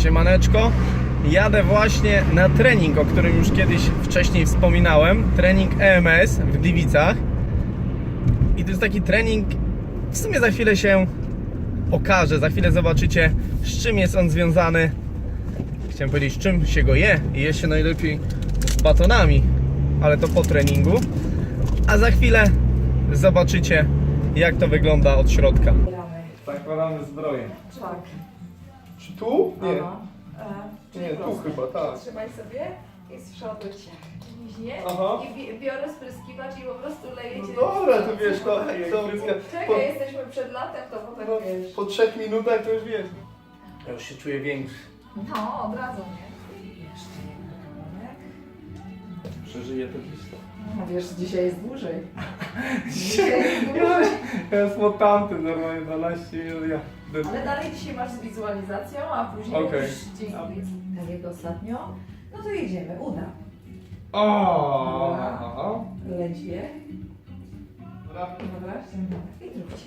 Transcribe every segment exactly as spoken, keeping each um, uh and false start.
Siemaneczko, jadę właśnie na trening, o którym już kiedyś wcześniej wspominałem. Trening E M S w Gliwicach. I to jest taki trening, w sumie za chwilę się okaże, za chwilę zobaczycie, z czym jest on związany. Chciałem powiedzieć, z czym się go je. I je się najlepiej z batonami, ale to po treningu. A za chwilę zobaczycie, jak to wygląda od środka. Zakładamy zbroję. Tak. Czy tu? Nie. Aha. E, Nie, tu chyba, tak. Trzymaj sobie i z przodu cię liźnie Aha. i bi- biorę spryskiwacz i po prostu leję cię. No dobra, to wiesz, to, to Czekaj, po, jesteśmy przed latem, to potem no, wiesz. po trzech minutach to już wiesz. Ja już się czuję większy. No, od razu, nie? I jeszcze jeden kawałek. Przeżyję to gdzieś to. No wiesz, dzisiaj jest dłużej. Dzisiaj jest ja, dłużej. ja jest tamty normalnie dwanaście minut. Ja. Ale dalej dzisiaj masz z wizualizacją, a później Okej. już dzięki tak jak ostatnio. No to jedziemy, uda. O. Ledwie. Dobra. Dobra, i zróbcie.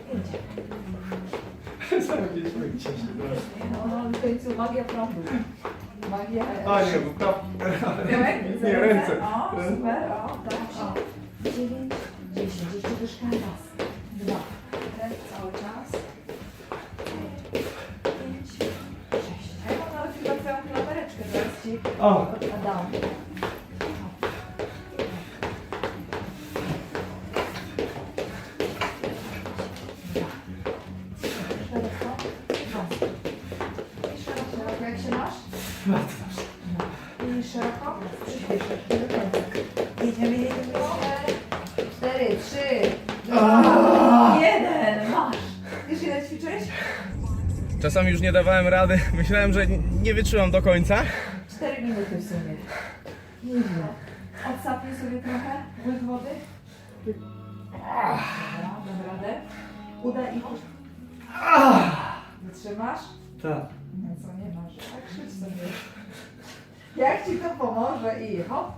Sam gdzieś będzie się teraz. No, w końcu magia prądu. Magia... A nie, bo praw... Tyłek? Nie, ręce. O, super, o, tak, o. dziewięć, dziesięć, jeszcze dyszka. Raz, dwa, ten cały czas. pięć, sześć. A ja mam nawet chyba twoją klamereczkę, zaraz ci O. odkładam. Szeroko, jak się masz? I szeroko? Przyspieszasz. Jedziemy, jedziemy. Cztery, trzy, dwa, jeden. Masz. Wiesz, ile ćwiczyłeś? Czasami już nie dawałem rady. Myślałem, że nie wytrzymam do końca. Cztery minuty w sumie. Nieźle. Odsapnij sobie trochę. Łyk wody. Dobra, dam radę. Uda i puść. Wytrzymasz? Tak. No co, nie masz. Tak, krzycz sobie. Jak ci to pomoże i hop.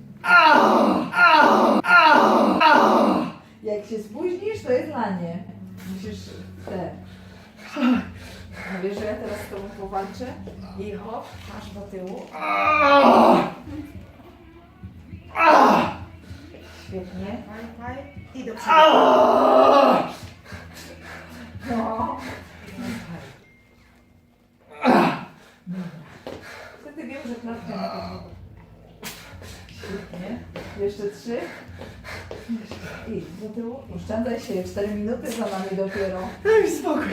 Jak się spóźnisz, to jest lanie. Musisz te. No wiesz, że ja teraz z tobą powalczę i hop, masz do tyłu. Świetnie. Faj, faj. I do przodu. No. Wtedy wiem, że klatkę na pewno. Świetnie. Jeszcze trzy. Jeszcze. I do tyłu. Oszczędzaj się. Cztery minuty za nami dopiero. Daj mi spokój.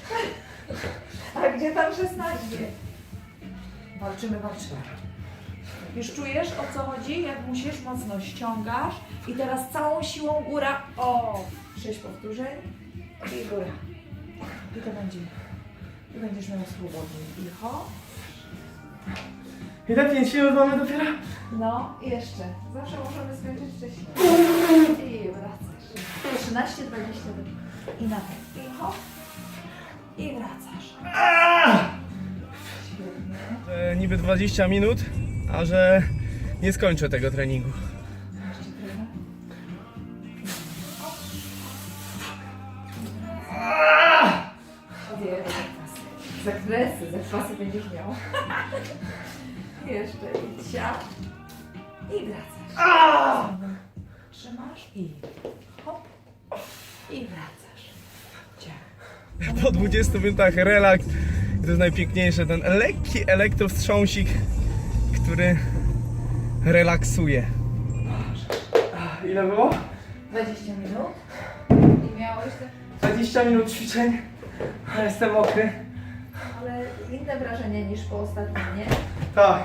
A gdzie tam szesnaście? Walczymy, walczymy. Już czujesz, o co chodzi? Jak musisz, mocno ściągasz. I teraz całą siłą góra. O! Sześć powtórzeń. I góra. I to będzie. I będziesz miał swobodnie. I ho. I tak pięć minut mamy dopiero? No, i jeszcze. Zawsze możemy skończyć wcześniej. I wracasz. trzynaście, dwadzieścia. I na ten. I hop. I wracasz. Świetnie. Że niby dwadzieścia minut, a że nie skończę tego treningu. Jeszcze trochę. Odjemy zakwasy. Zakresy, zakwasy będziesz miał. Jeszcze i ciach. I wracasz. Trzymasz i hop. I wracasz. Ciach. Po dwudziestu minutach relaks. I to jest najpiękniejsze, ten lekki elektrowstrząsik, który relaksuje. Ile było? dwadzieścia minut. I miałeś te... dwadzieścia minut ćwiczeń, a jestem mokry. Ale inne wrażenie niż po ostatnim, nie? Tak.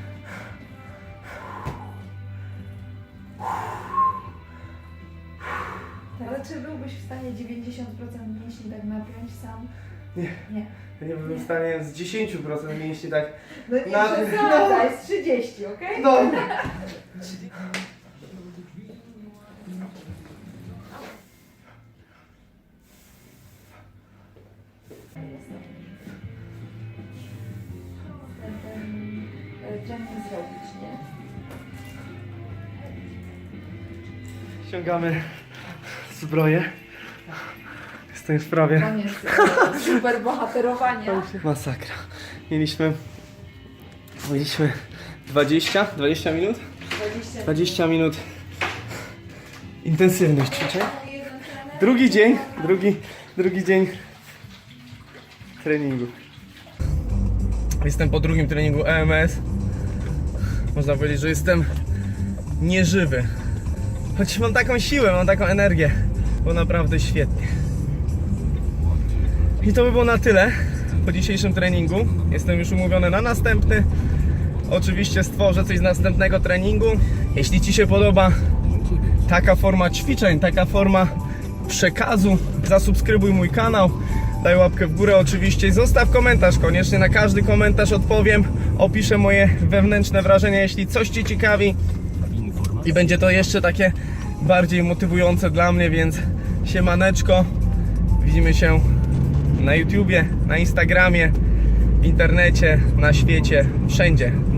Ale czy byłbyś w stanie dziewięćdziesiąt procent mięśni tak napiąć sam? Nie. Nie. Ja nie byłem w stanie z dziesięć procent mięśni tak. No nie Na- przesadzaj, jest trzydzieści, okej? No. Ten, ten e, trening zrobić, nie? Ściągamy zbroję. Jest To już prawie Koniec super bohaterowania. masakra. Mieliśmy, mieliśmy dwadzieścia, dwadzieścia minut? dwadzieścia dwadzieścia minut intensywnych ćwiczeń. Drugi dzień, drugi, drugi dzień treningu. Jestem po drugim treningu E M S. Można powiedzieć, że jestem nieżywy. Choć mam taką siłę, mam taką energię. Było naprawdę świetnie. I to by było na tyle po dzisiejszym treningu. Jestem już umówiony na następny. Oczywiście stworzę coś z następnego treningu. Jeśli Ci się podoba taka forma ćwiczeń, taka forma przekazu, zasubskrybuj mój kanał, daj łapkę w górę oczywiście i zostaw komentarz. Koniecznie na każdy komentarz odpowiem. Opiszę moje wewnętrzne wrażenia, jeśli coś Cię ciekawi. I będzie to jeszcze takie bardziej motywujące dla mnie, więc siemaneczko. Widzimy się na YouTubie, na Instagramie, w internecie, na świecie, wszędzie.